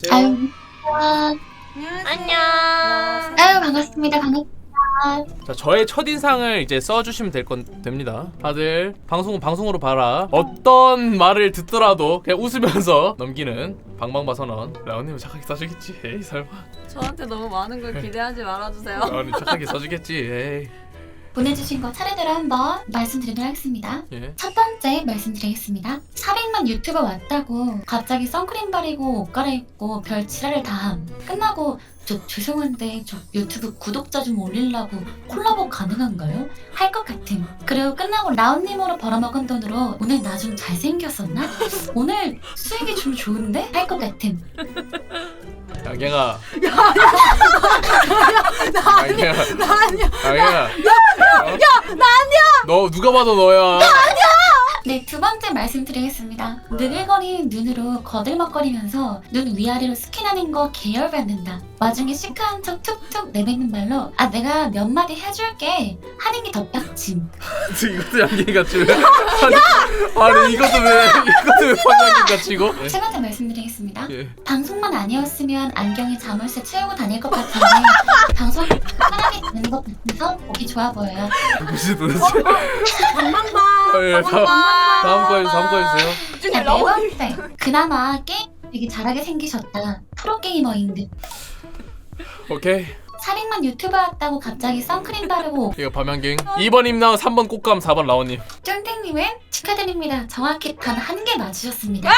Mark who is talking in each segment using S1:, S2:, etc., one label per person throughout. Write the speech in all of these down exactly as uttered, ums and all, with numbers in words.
S1: 아유, 아,
S2: 안녕.
S1: 아유 반갑습니다. 반갑습니다.
S3: 자, 저의 첫인상을 이제 써주시면 될 건 됩니다. 다들 방송은 방송으로 봐라. 어떤 말을 듣더라도 그냥 웃으면서 넘기는 방방바선언. 라온님은 착하게 써주겠지. 에이 설마.
S2: 저한테 너무 많은 걸 기대하지 말아주세요.
S3: 라온님 착하게 써주겠지. 에이.
S1: 보내주신 거 차례대로 한번 말씀드리도록 하겠습니다.
S3: 예.
S1: 첫 번째 말씀드리겠습니다. 사백만 유튜버 왔다고 갑자기 선크림 바르고 옷 갈아입고 별 지랄을 다함. 끝나고 저 죄송한데 저 유튜브 구독자 좀 올리려고 콜라보 가능한가요? 할 것 같음. 그리고 끝나고 라온님으로 벌어먹은 돈으로 오늘 나 좀 잘생겼었나? 오늘 수익이 좀 좋은데? 할 것 같음.
S3: 양갱아.
S2: 나
S3: 양갱아.
S2: 나 아니야.
S3: 양갱아.
S2: 야, 나 아니야.
S3: 너 누가 봐도 너야.
S1: 네, 두 번째 말씀드리겠습니다. 느글거리는 눈으로 거들먹거리면서 눈 위아래로 스캔하는 거 계열받는다. 와중에 시크한 척 툭툭 내뱉는 말로 아 내가 몇 마디 해줄게 하는 게 더 빡침.
S3: 이것도 양갱이 같지? 아니, 아니 이것도 왜 이것도 왜 판양갱 같이고?
S1: 세 번째 말씀드리겠습니다.
S3: 예.
S1: 방송만 아니었으면 안경에 자물쇠 채우고 다닐 것 같은데 방송 편하게 되는 것 같아서 보기 좋아 보여요.
S3: 무슨 도대체?
S2: 방방방.
S3: 아, 예, 다음 다음 거 다음 거 해주세요.
S1: 자, 네 번째. 그나마 게임 되게 잘하게 생기셨다. 프로게이머인 듯.
S3: 오케이.
S1: 사백만 유튜버 왔다고 갑자기 선크림 바르고
S3: 이거 밤양갱. 이 번 임나온, 삼 번 꽃감, 사 번 라온님.
S1: 쫀땡님은 축하드립니다. 정확히 단 한 개 맞추셨습니다.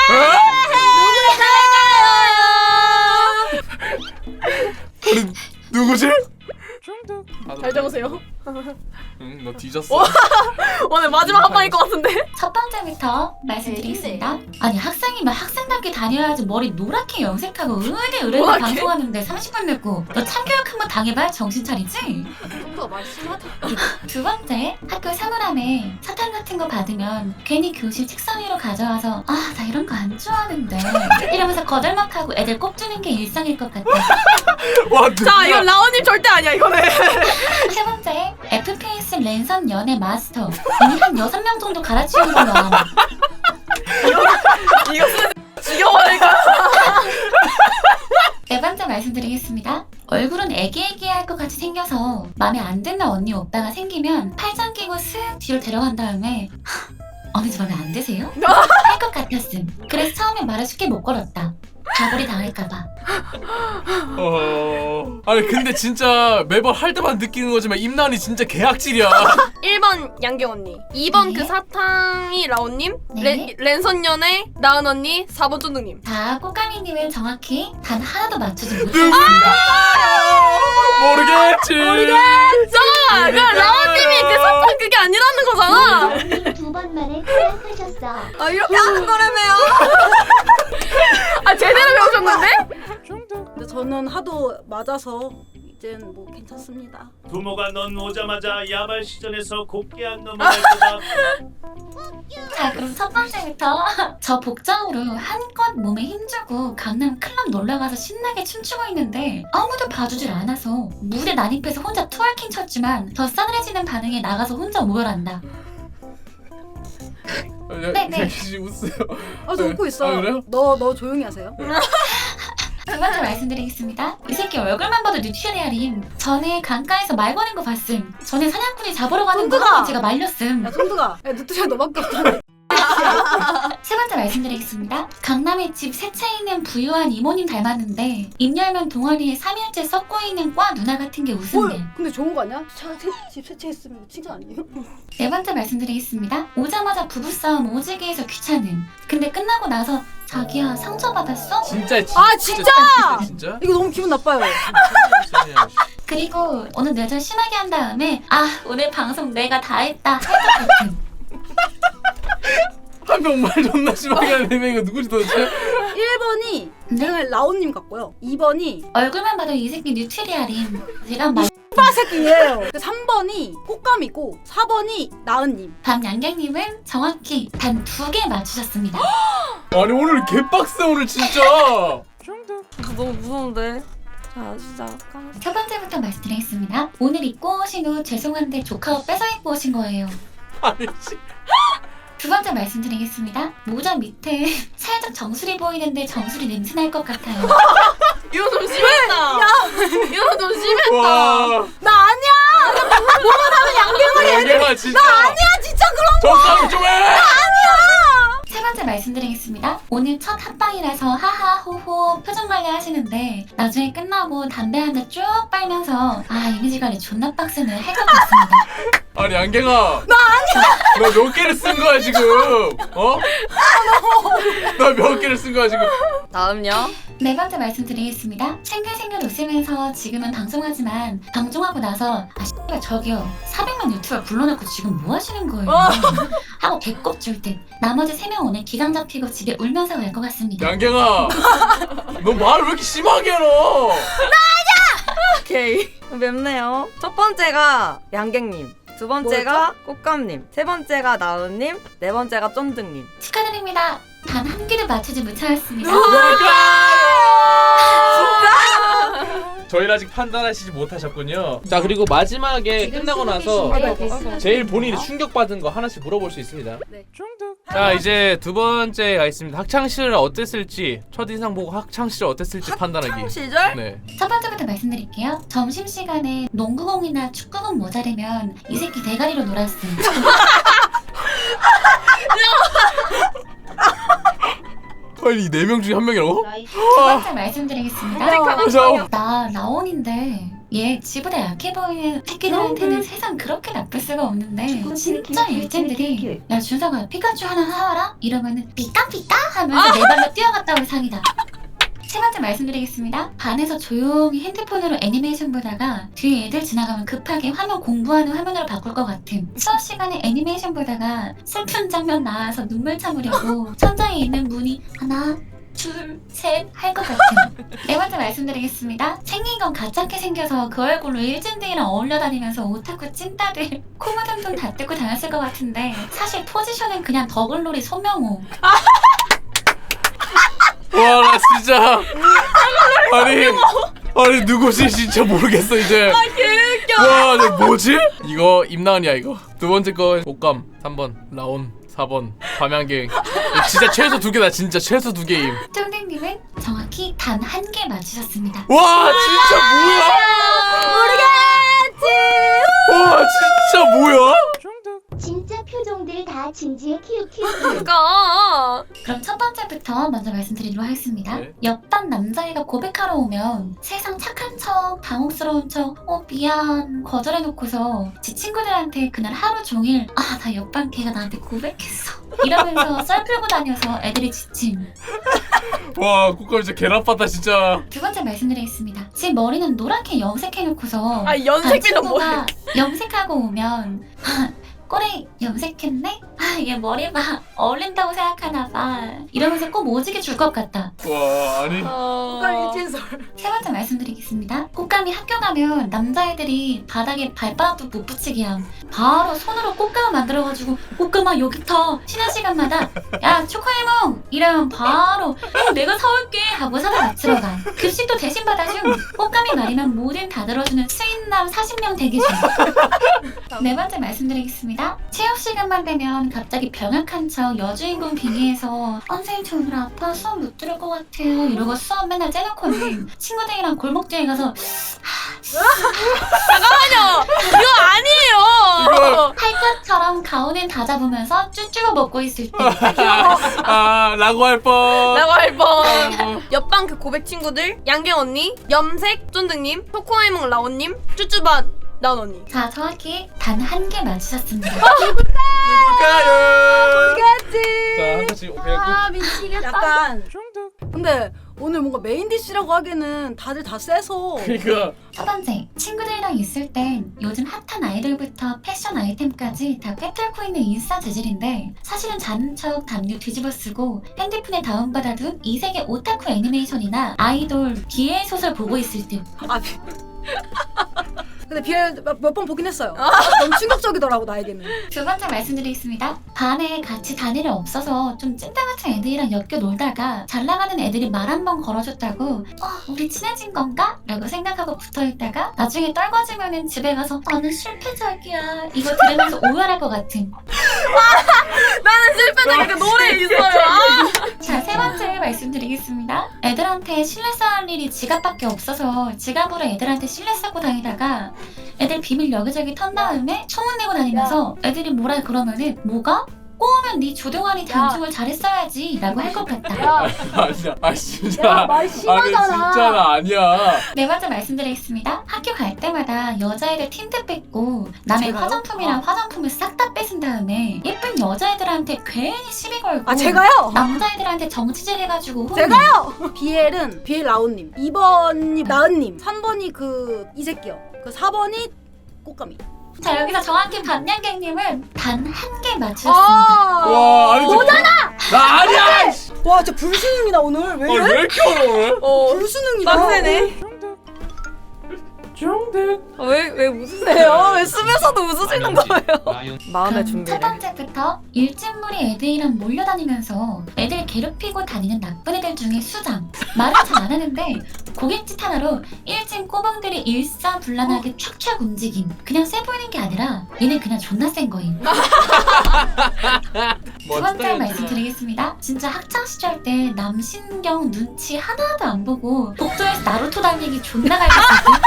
S3: 아니 누구지?
S2: 잘 적으세요.
S3: 응, 너 뒤졌어.
S2: 오늘 마지막 한 방일 것 같은데.
S1: 첫 번째부터 말씀드리겠습니다. 아니 학생이면 학생답게 다녀야지 머리 노랗게 염색하고 으르르 으르르
S2: 노랗게?
S1: 방송하는데 삼십 분 늙고 너 참교육 한번 당해봐야 정신 차리지?
S2: 좀더 말씀하자.
S1: 두 번째, 학교 사물함에 사탕 같은 거 받으면 괜히 교실 책상 위로 가져와서 아 나 이런 거 안 좋아하는데 이러면서 거들먹하고 애들 꼽주는 게 일상일 것 같아.
S3: 와 누구야?
S2: 자, 이건 라온님 절대 아니야 이거는.
S1: 세 번째, 에프피에스 랜선 연애 마스터. 이미 한 여섯 명 정도 갈아치운 걸로 알아.
S2: 이것은 죽여버릴까?
S1: 네 번째 말씀드리겠습니다. 얼굴은 애기애기할 것 같이 생겨서 마음에 안 드는 언니 오빠가 생기면 팔짱 끼고 슥 뒤로 데려간 다음에 언니 저 마음에 안 드세요? 할 것 같았음. 그래서 처음에 말을 쉽게 못 걸었다. 가불이 당할까봐.
S3: 어... 아니 근데 진짜 매번 할 때만 느끼는 거지만 임나은이 진짜 개악질이야.
S2: 일 번 양경 언니, 이 번
S1: 네.
S2: 그 사탕이 라온님,
S1: 네.
S2: 랜, 랜선연애 나은 언니, 사 번 쫀득님.
S1: 자, 꽃가미님은 정확히 단 하나도 맞추지 못했습니다.
S3: 모르겠지.
S2: 자, 그 라온님이 그 사탕 그게 아니라는 거잖아.
S4: 언니 두 번 만에 탈락하셨어.
S2: 아 이렇게 하는 거라며요. 아 제대로 배우셨는데?
S5: 근데 저는 하도 맞아서 이젠 뭐 괜찮습니다.
S6: 부모가 넌 오자마자 야발 시전에서 곱게 안 넘어갈 거다.
S1: 자, 그럼 첫 번째부터 저 복장으로 한껏 몸에 힘주고 강남 클럽 놀러가서 신나게 춤추고 있는데 아무도 봐주질 않아서 무대 난입해서 혼자 트월킹 쳤지만 더 싸늘해지는 반응에 나가서 혼자 모여란다. 네, 네.
S3: 웃어요.
S5: 아 저 웃고 있어.
S3: 아, 그래요?
S5: 너 너 조용히 하세요.
S1: 두 번째 말씀드리겠습니다. 이 새끼 얼굴만 봐도 뉴트리아림. 전에 강가에서 말 거는 거 봤음. 전에 사냥꾼이 잡으러 가는 거
S5: 손들아!
S1: 제가 말렸음.
S5: 야 손두가. 야 누트리아 너밖에 없잖아.
S1: 세 번째 말씀드리겠습니다. 강남의 집 세채 있는 부유한 이모님 닮았는데 입 열면 동아리에 삼 일째 썩고 있는 과 누나 같은 게 웃음네.
S5: 뭘? 근데 좋은 거 아니야? 차, 세, 집 세채했으면 칭찬 아니에요?
S1: 네 번째 말씀드리겠습니다. 오자마자 부부싸움 오지게 해서 귀찮음. 근데 끝나고 나서 자기야 상처받았어?
S3: 진짜 진-
S5: 아 진짜!
S3: 진짜?
S5: 이거 너무 기분 나빠요.
S1: 그리고 오늘 내절 심하게 한 다음에 아 오늘 방송 내가 다 했다 할 것 같음.
S3: 한 명 말 존나 심하게 하는 애가 누구지 도대체?
S5: 일 번이
S1: 네?
S5: 제가 라온님 같고요. 이 번이
S1: 얼굴만 봐도 이 새끼 뉴트리아림. 제가 말
S5: 빠 새끼예요. 삼 번이 꽃감이고 사 번이 나은님.
S1: 밤양갱님은 정확히 단 두 개 맞추셨습니다.
S3: 아니 오늘 개빡세 오늘 진짜.
S2: 너무 무서운데. 자 시작.
S1: 첫 번째부터 말씀드리겠습니다. 오늘 입고 오신 옷 죄송한데 조카 옷 뺏어 입고 오신 거예요.
S3: 아니 씨.
S1: 두 번째 말씀드리겠습니다. 모자 밑에 살짝 정수리 보이는데 정수리 냄새 날 것 같아요.
S2: 이거 좀 심했다. 야, 이거 좀 심했다.
S3: 와.
S5: 나 아니야.
S3: 양갱아 진짜. 나 아니야
S5: 진짜 그런
S3: 정상 좀 해.
S1: 세 번째 말씀드리겠습니다. 오늘 첫 합방이라서 하하호호 표정 관리 하시는데 나중에 끝나고 담배 한 대 쭉 빨면서 아 이미지 관리 존나 빡세네 할 것 같습니다.
S3: 아니 양갱아. 나 아니야. 너 몇 개를 쓴 거야 지금? 어? 나 몇 개를 쓴 거야 지금?
S2: 다음요.
S1: 네 번째 말씀드리겠습니다. 생글생글 웃으면서 지금은 방송하지만 방송하고 나서 아 씨발 저기요 사백만 유튜버 불러놓고 지금 뭐 하시는 거예요? 하고 배꼽 줄 듯 나머지 세 명 오늘 기강 잡히고 집에 울면서 갈 것 같습니다.
S3: 양갱아. 너 말을 왜 이렇게 심하게 해 너?
S2: 오케이. 맵네요. 첫 번째가 양갱님. 두 번째가 꽃감님. 세 번째가 나은님. 네 번째가 쫀득님.
S1: 축하드립니다. 단 한 개도 맞추지 못하였습니다.
S3: 저희를 아직 판단하시지 못하셨군요. 자 그리고 마지막에 끝나고 나서 제일 본인이 충격받은 거 하나씩 물어볼 수 있습니다.
S2: 네.
S3: 자 이제 두 번째가 있습니다. 학창 시절 어땠을지 첫인상 보고 학창 시절 어땠을지 판단하기.
S2: 학창 시절?
S3: 네.
S1: 첫 번째부터 말씀드릴게요. 점심시간에 농구공이나 축구공 모자르면 이 새끼 대가리로 놀았음.
S3: 아니 네 명 중에 한 명이라고?
S1: 두 번째 말씀드리겠습니다.
S3: 그죠?
S1: 나 라온인데 얘 지보다 약해 보이는 새끼들한테는 세상 그렇게 나쁠 수가 없는데 진짜 일진들이 야 준서가 피카츄 하나 사와라? 이러면은 삐까삐까 하면서 내 발로 뛰어갔다고 상이다. 세 번째 말씀드리겠습니다. 반에서 조용히 핸드폰으로 애니메이션 보다가 뒤에 애들 지나가면 급하게 화면 공부하는 화면으로 바꿀 것 같음. 수업 시간에 애니메이션 보다가 슬픈 장면 나와서 눈물 참으려고 천장에 있는 문이 하나 둘, 셋 할 것 같은. 네 번째 말씀드리겠습니다. 생긴 건 가짜게 생겨서 그 얼굴로 일진들이랑 어울려 다니면서 오타쿠 찐따들 코 묻은 돈 다 뜯고 다녔을 것 같은데 사실 포지션은 그냥 더글놀이 소명호.
S3: 와 나 진짜 아니 아니 누구지 진짜 모르겠어 이제.
S2: 아, 개웃겨.
S3: 와 나 뭐지? 이거 임나은이야 이거. 두 번째 거 옷감 삼 번 라온 사 번 밤양갱. 진짜 최소 두 개다 진짜 최소 두 개임.
S1: 쫑댕님은 정확히 단 한 개 맞추셨습니다.
S3: 와 진짜 뭐야?
S2: 모르겠지.
S3: 와 진짜 뭐야?
S4: 진짜 표정들 다 진지해 키우키우.
S2: 그니까.
S1: 그럼 첫 번째부터 먼저 말씀드리도록 하겠습니다.
S3: 네.
S1: 옆반 남자애가 고백하러 오면 세상 착한 척, 당혹스러운 척, 어 미안 거절해놓고서 지 친구들한테 그날 하루 종일 아 나 옆반 걔가 나한테 고백했어 이러면서 썰 풀고 다녀서 애들이 지침.
S3: 와 국감 진짜 개나빴다 진짜.
S1: 두 번째 말씀드리겠습니다. 제 머리는 노랗게 염색해놓고서
S2: 아, 염색비는
S1: 친구가 염색하고 오면 꼬리 염색했네? 아 얘 머리 봐 어울린다고 생각하나봐 이러면서 꼭 오지게 줄 것 같다.
S3: 와 아니
S2: 어...
S5: 일진설.
S1: 세 번째 말씀드리겠습니다. 꽃감이 학교 가면 남자애들이 바닥에 발바닥도 못 붙이게 함. 바로 손으로 꽃감을 만들어가지고 꽃감아 여기 터 쉬는 시간마다 야 초코에몽 이러면 바로 어, 내가 사올게 하고 사다 맞추러 가. 급식도 대신 받아줌. 꽃감이 말이면 뭐든 다 들어주는 수인남 사십 명 대기 중. 네 번째 말씀드리겠습니다. 체육 시간만 되면 갑자기 병약한 척 여주인공 빙의해서 선생님 저 오늘 아파 수업 못 들을 것 같아요 이러고 수업 맨날 째놓고는 친구들이랑 골목 뒤에 가서
S2: 잠깐만요. 이거 아니에요.
S1: 할 것처럼 가운을 다 잡으면서 쭈쭈가 먹고 있을 때
S3: 아 라고 할 뻔.
S2: 라고 할 뻔. 옆방 그 고백 친구들 양갱 언니, 염색 쫀득님, 초코아이몽 라온님, 쭈쭈밭 나온 언니.
S1: 자 정확히 단 한 개 맞추셨습니다.
S3: 누굴까요?
S2: 모르겠지.
S3: 자 한 칸씩 그냥
S5: 아 미치겠다. 약간. 근데 오늘 뭔가 메인 디시라고 하기에는 다들 다 세서.
S3: 그러니까
S1: 첫 번째, 친구들이랑 있을 땐 요즘 핫한 아이돌부터 패션 아이템까지 다 꿰뚫고 있는 인싸 재질인데 사실은 자는 척 담요 뒤집어 쓰고 핸드폰에 다운받아둔 이세계 오타쿠 애니메이션이나 아이돌 비엘 소설 보고 있을 듯.
S5: 아, 근데 비엘 몇 번 보긴 했어요. 너무 충격적이더라고 나에게는.
S1: 두 번째 말씀드리겠습니다. 반에 같이 다닐 애 없어서 좀 찐따 같은 애들이랑 엮여 놀다가 잘 나가는 애들이 말 한 번 걸어줬다고 어, 우리 친해진 건가? 라고 생각하고 붙어있다가 나중에 떨궈지면은 집에 가서 나는 실패작이야 이거 들으면서 오열할 것 같은.
S2: 나는 실패적인 그 노래 있어요.
S1: 자, 세 번째 말씀드리겠습니다. 애들한테 신뢰 쌓을 일이 지갑밖에 없어서 지갑으로 애들한테 신뢰 쌓고 다니다가 애들 비밀 여기저기 턴 다음에 소문내고 다니면서 애들이 뭐라 그러면은 뭐가? 꼬우면 네 조동아리 단축을 잘했어야지 라고 할 것 같다.
S5: 야,
S3: 아니야. 아 진짜.
S5: 야, 말
S3: 아니
S5: 심하잖아.
S3: 진짜 나 아니야.
S1: 네 번째 말씀드리겠습니다. 학교 갈 때마다 여자애들 틴트 뺏고 남의
S5: 제가요?
S1: 화장품이랑 화장품을 싹 다 뺏은 다음에 예쁜 여자애들한테 괜히 시비 걸고
S5: 아 제가요?
S1: 남자애들한테 정치질 해가지고 혼내.
S5: 제가요! 비엘은 비엘 라온님, 이 번이 나은님, 삼 번이 그 이 새끼요. 그 사 번이 꽃가미.
S1: 자, 여기서 정확히 반냥객님은 단 한 개 맞추셨습니다.
S5: 아,
S3: 와 아니 너잖아. 나 아니야.
S5: 와, 진짜 불수능이다 오늘. 왜
S3: 아,
S5: 이래?
S3: 왜 이렇게 어려워?
S2: 어,
S5: 불수능이다.
S2: 빡세네.
S3: 중득.
S2: 왜, 왜 웃으세요? 왜 쓰면서도 웃으시는 거예요? 마음의
S1: 그럼 첫
S2: 준비를.
S1: 번째부터 일진물이 애들이랑 몰려다니면서 애들 괴롭히고 다니는 나쁜 애들 중에 수장. 말은 잘 안 하는데 고갯짓 하나로 일진 꼬봉들이 일사불란하게 촥촥 움직임. 그냥 세 보이는 게 아니라 얘는 그냥 존나 센 거임. 두 번째 말씀드리겠습니다. 진짜 학창시절 때 남신경 눈치 하나도 안 보고 복도에서 나루토 달리기 존나 갈겼거든.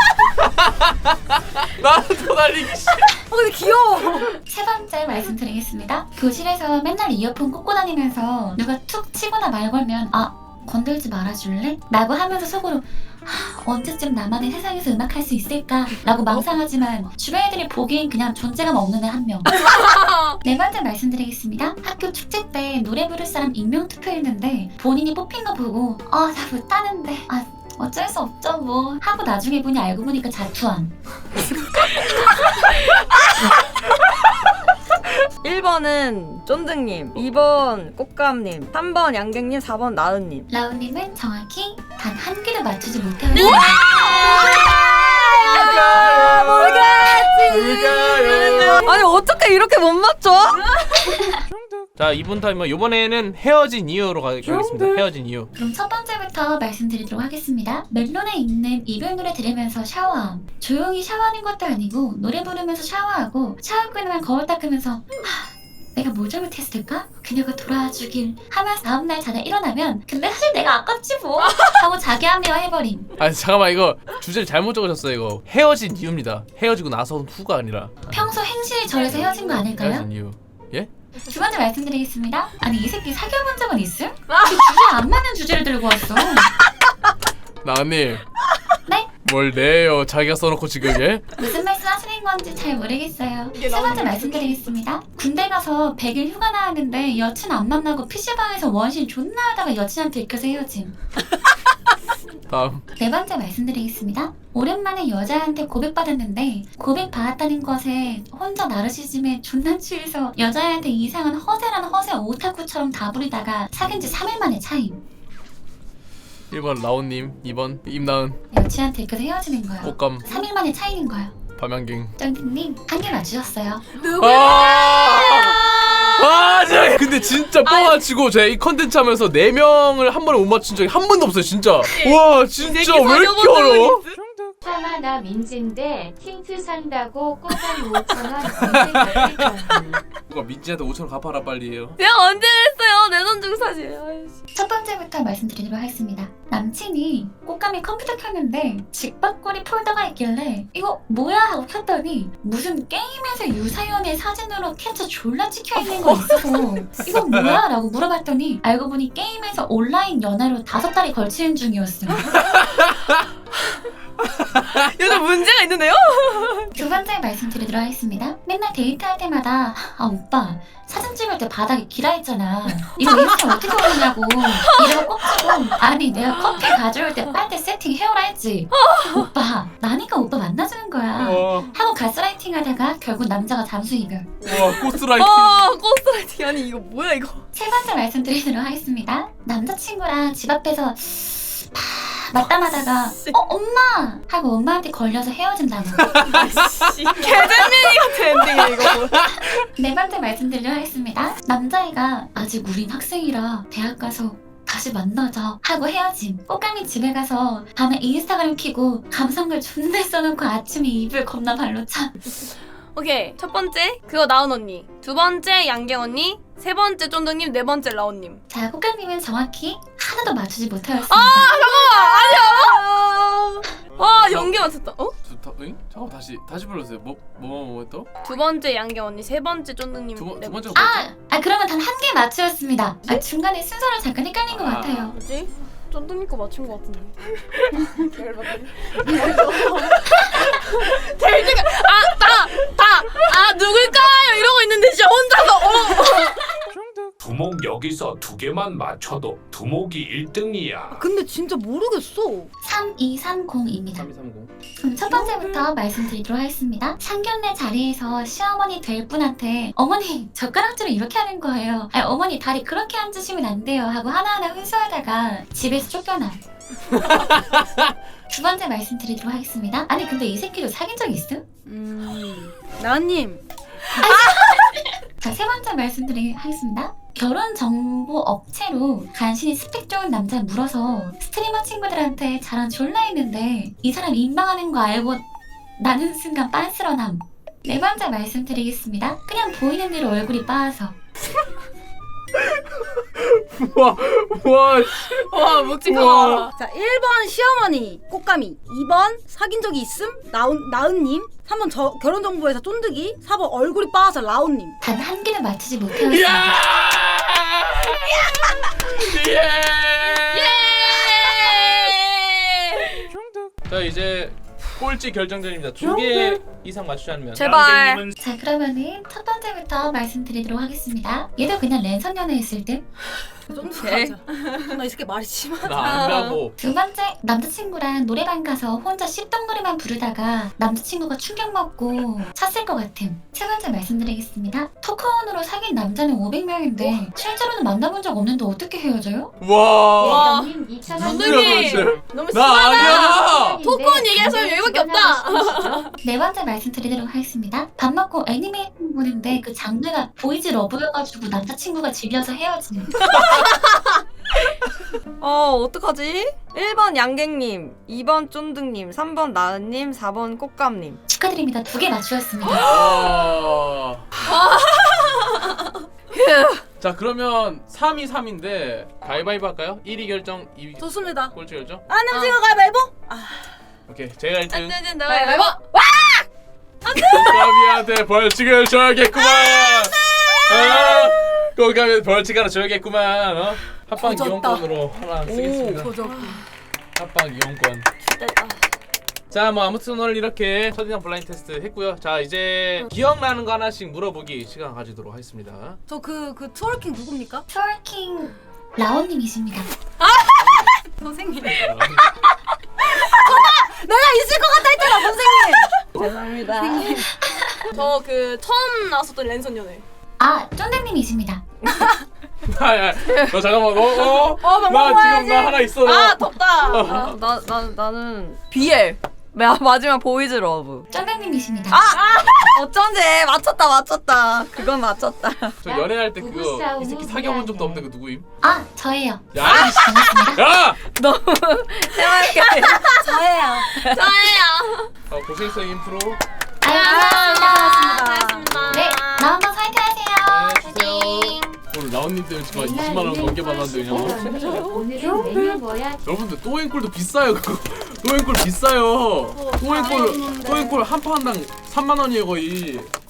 S3: 나도 달리기 싫어.
S5: 어, 근데 귀여워.
S1: 세 번째 말씀드리겠습니다. 교실에서 맨날 이어폰 꽂고 다니면서 누가 툭 치거나 말 걸면 아 건들지 말아줄래? 라고 하면서 속으로 하, 언제쯤 나만의 세상에서 음악할 수 있을까? 라고 망상하지만 주변 애들이 보기엔 그냥 존재감 없는 애 한 명. 네 번째 말씀드리겠습니다. 학교 축제 때 노래 부를 사람 익명 투표했는데 본인이 뽑힌 거 보고 아 나 못하는데 아 어쩔 수 없죠 뭐 하고 나중에 보니 알고 보니까 자투함.
S2: 일 번은 쫀득님, 이 번 꽃감님, 삼 번 양갱님, 사 번 나은님.
S1: 라우님은 정확히 단 한 개도 맞추지 못하였습니다.
S3: 모르겠지.
S2: 아니 어떻게 이렇게 못 맞춰?
S3: 자 이분 타이머 이번에는 헤어진 이유로 가- 가겠습니다. 헤어진 이유.
S1: 그럼 첫 번째부터 말씀드리도록 하겠습니다. 멜론에 있는 이별 노래 들으면서 샤워함. 조용히 샤워하는 것도 아니고 노래 부르면서 샤워하고 샤워 끝나면 거울 닦으면서 하, 내가 뭘 잘못했을까? 그녀가 돌아와주길 하면서 다음날 자다 일어나면 근데 사실 내가 아깝지 뭐 하고 자기 합리화 해버림.
S3: 아 잠깐만 이거 주제를 잘못 적으셨어요. 이거 헤어진 이유입니다. 헤어지고 나서 후가 아니라
S1: 평소 행실이 저래서 헤어진 거 아닐까요?
S3: 헤어진 이유. 예?
S1: 두 번째 말씀드리겠습니다. 아니 이 새끼 사귀어본 적은 있음? 그 주제 안 맞는 주제를 들고 왔어.
S3: 나은님.
S1: 네?
S3: 뭘 내요? 자기가 써놓고 지금 예?
S1: 무슨 말씀 하시는 건지 잘 모르겠어요. 세 번째 말씀드리겠습니다. 군대 가서 백 일 휴가 나왔는데 여친 안 만나고 피시방에서 원신 존나 하다가 여친한테 들켜서 헤어짐.
S3: 다음.
S1: 네 번째 말씀드리겠습니다. 오랜만에 여자한테 고백받았는데 고백받았다는 것에 혼자 나르시즘에 존나 취해서 여자한테 이상한 허세란 허세 오타쿠처럼 다부리다가 사귄 지 삼 일 만에 차임.
S3: 일 번 라온님, 이 번 임나은,
S1: 여친한테 들켜서 헤어지는 거예요.
S3: 꽃감,
S1: 삼 일 만에 차이는 거예요.
S3: 밤양갱.
S1: 짱디님 한 개 맞추셨어요.
S3: 아, 저 근데 진짜 뻥아치고 제가 이 컨텐츠 하면서 네 명을 한 번에 못 맞춘 적이 한 번도 없어요, 진짜. 와, 진짜 왜 이렇게 어려워?
S7: 차마 나 민지인데 틴트 산다고 꼬당 오천 원 인생 같을
S3: 누가 민지한테 오천 원 갚아라 빨리 해요.
S2: 내가 언제 그랬어요? 내 돈 중 사실. 아이씨.
S1: 첫 번째부터 말씀드리도록 하겠습니다. 남친이 꽃감이 컴퓨터 켰는데 직박거리 폴더가 있길래 이거 뭐야 하고 켰더니 무슨 게임에서 유사연의 사진으로 캡처 졸라 찍혀있는 거 있어서 이건 뭐야? 라고 물어봤더니 알고 보니 게임에서 온라인 연애로 다섯 달이 걸치는 중이었음.
S2: 요즘 문제가 있는데요?
S1: 두 번째 말씀드리도록 하겠습니다. 맨날 데이트할 때마다 아 오빠 사진 찍을 때 바닥이 기라했잖아. 이거 인스타 어떻게 올리냐고 이러고 꼽지고 아니 내가 커피 가져올 때 빨대 세팅 해오라 했지. 오빠 나니까 오빠 만나주는 거야.
S3: 와,
S1: 하고 가스라이팅 하다가 결국 남자가 잠수 이별.
S3: 와, 코스라이팅.
S2: 어, 고스라이팅. 아니 이거 뭐야 이거?
S1: 세 번째 말씀드리도록 하겠습니다. 남자친구랑 집 앞에서 맞다마다가 어 엄마 하고 엄마한테 걸려서 헤어진다고.
S2: 개재민이 같은 엔딩이야 이거.
S1: 네 번째 말씀드리도록 하겠습니다. 남자애가 아직 우린 학생이라 대학 가서 다시 만나자 하고 헤어짐. 꽃감이 집에 가서 밤에 인스타그램 켜고 감성글 존나 써놓고 아침에 이불 겁나 발로 차.
S8: 오케이 첫 번째 그거 나은 언니, 두 번째 양갱 언니, 세 번째 쫀득님, 네 번째 라온님.
S1: 자, 꽃감님은 정확히 하나도 맞추지 못하였습니다.
S8: 와 연계 맞췄다. 어?
S3: 두, 다, 응? 잠깐 다시 다시 불러주세요. 뭐 뭐 뭐 또?
S8: 두 번째 양갱 언니, 세 번째 쫀득님,
S3: 두, 번-
S8: 네
S3: 두 번째가
S1: 아,
S3: 뭐였죠?
S1: 아 그러면 단 한 개 맞추었습니다. 아, 중간에 순서를 잠깐 헷갈린 것
S3: 아.
S1: 같아요.
S8: 뭐지? 쫀득님 거 맞춘 거 같은데. 델드가 아다다아 누굴까요 이러고 있는데 진짜 혼자서 어.
S6: 두목 여기서 두 개만 맞춰도 두목이 일 등이야.
S5: 근데 진짜 모르겠어.
S1: 삼이삼공입니다.
S3: 삼이삼공.
S1: 그럼 첫 번째부터 말씀드리도록 하겠습니다. 상견례 자리에서 시어머니 될 분한테 어머니 젓가락질을 이렇게 하는 거예요. 아니, 어머니 다리 그렇게 앉으시면 안 돼요 하고 하나하나 훈수하다가 집에서 쫓겨나. 두 번째 말씀드리도록 하겠습니다. 아니 근데 이 새끼도 사귄 적 있음?
S5: 음. 나은님.
S1: 자, 세 번째 말씀드리도록 하겠습니다. 결혼 정보 업체로 간신히 스펙 좋은 남자 물어서 스트리머 친구들한테 자랑 졸라 했는데 이 사람 인방하는 거 알고 나는 순간 빤스러남. 네 번째 말씀드리겠습니다. 그냥 보이는 대로 얼굴이 빠아서.
S3: 우와 우와 씨.
S8: 와 묵직하다.
S5: 자, 일 번 시어머니 꽃가미, 이 번 사귄 적이 있음 나은, 나은님, 삼 번 저, 결혼정보회사 쫀득이, 사 번 얼굴이 빠아서 라온님.
S1: 단 한 개도 맞추지 못하였습니다.
S3: 예! 자 이제 꼴찌 결정전입니다. 두 개 이상 맞추지 않으면
S2: 제발.
S6: 양갱님은
S1: 자, 그러면은 첫 번째부터 말씀드리도록 하겠습니다. 얘도 그냥 랜선 연애했을 듯.
S5: 쫀득
S2: 오케이.
S5: 맞아. 나 이 새끼 말이 심하다.
S3: 나 안다고.
S1: 두 번째, 남자친구랑 노래방 가서 혼자 씹던 노래만 부르다가 남자친구가 충격 먹고 찼을 것 같음. 세 번째 말씀드리겠습니다. 토크온으로 사귄 남자는 오백 명인데 실제로는 만나본 적 없는데 어떻게 헤어져요?
S3: 와.
S8: 와.
S7: 님 이천 원
S8: 쫀득이
S3: 누구야,
S8: 너무
S3: 나 아니야.
S8: 토크온 얘기할 사람이 여기밖에 없다.
S1: 네 번째 말씀드리도록 하겠습니다. 밥 먹고 애니메이션 보는데 그 장르가 보이즈 러브여가지고 남자친구가 질려서 헤어지는.
S2: 어 어떡하지? 일 번 양갱님, 이 번 쫀득님, 삼 번 나은님, 사 번 꽃감님.
S1: 축하드립니다. 두 개 맞추셨습니다.
S3: 와. 자 그러면 삼이 삼인데 가위바위보 할까요? 일 위 결정, 이 위
S5: 좋습니다.
S3: 꼴찌 결정?
S5: 나은님 찍어 가위바위보?
S3: 오케이 제가 일 등.
S8: 안되는 내가 해봐.
S3: 꽃가미한테 벌칙을 줘야겠구만. 아, 꽃가미 벌칙 하나 줘야겠구만. 어? 합방
S5: 조졌다.
S3: 이용권으로 하나 쓰겠습니다.
S5: 조졌고.
S3: 합방 이용권. 자, 뭐 아무튼 오늘 이렇게 첫인상 블라인드 테스트 했고요. 자, 이제 기억나는 거 하나씩 물어보기 시간 가지도록 하겠습니다.
S5: 저 그 그 트월킹 누굽니까?
S1: 트월킹 라온님이십니다.
S5: 선생님. 내가 있을 것 같다 했잖아, 선생님.
S2: 죄송합니다.
S8: 저 그 처음 나왔었던 랜선 연애.
S1: 아, 쫀득님이십니다.
S3: 아, 야, 너 잠깐만, 너, 어?
S8: 어,
S3: 나
S8: 방금
S3: 지금 나 하나 있어. 너.
S8: 아 덥다.
S2: 아, 나, 나, 나는 비엘. 마, 마지막 보이즈 러브.
S1: 쫀득님이십니다.
S2: 어쩐지 맞췄다 맞췄다. 그건 맞췄다.
S3: 저 연애할 때 그거
S7: 부부싸움은
S3: 이 새끼 사귀어본 적도 없는데 그 누구임?
S1: 아, 저예요.
S3: 야, 이씨.
S1: 반갑습니다.
S3: 야!
S2: 너무 해맑게.
S5: 저예요.
S8: 저예요.
S3: 어, 고생했어 인프로.
S1: 아유, 감사합니다.
S8: 잘했습니다.
S1: 네, 나 한번 화이팅하세요.
S3: 네, 주세요. 오늘 라온님 때문에 제가 이십만 원 넘게 받았는데 그냥.
S7: 오늘은 메뉴 뭐야?
S3: 여러분들 또행골도 비싸요 그거. 또행골 비싸요. 또행골 또행골 한 판당 삼만 원이에요 거의.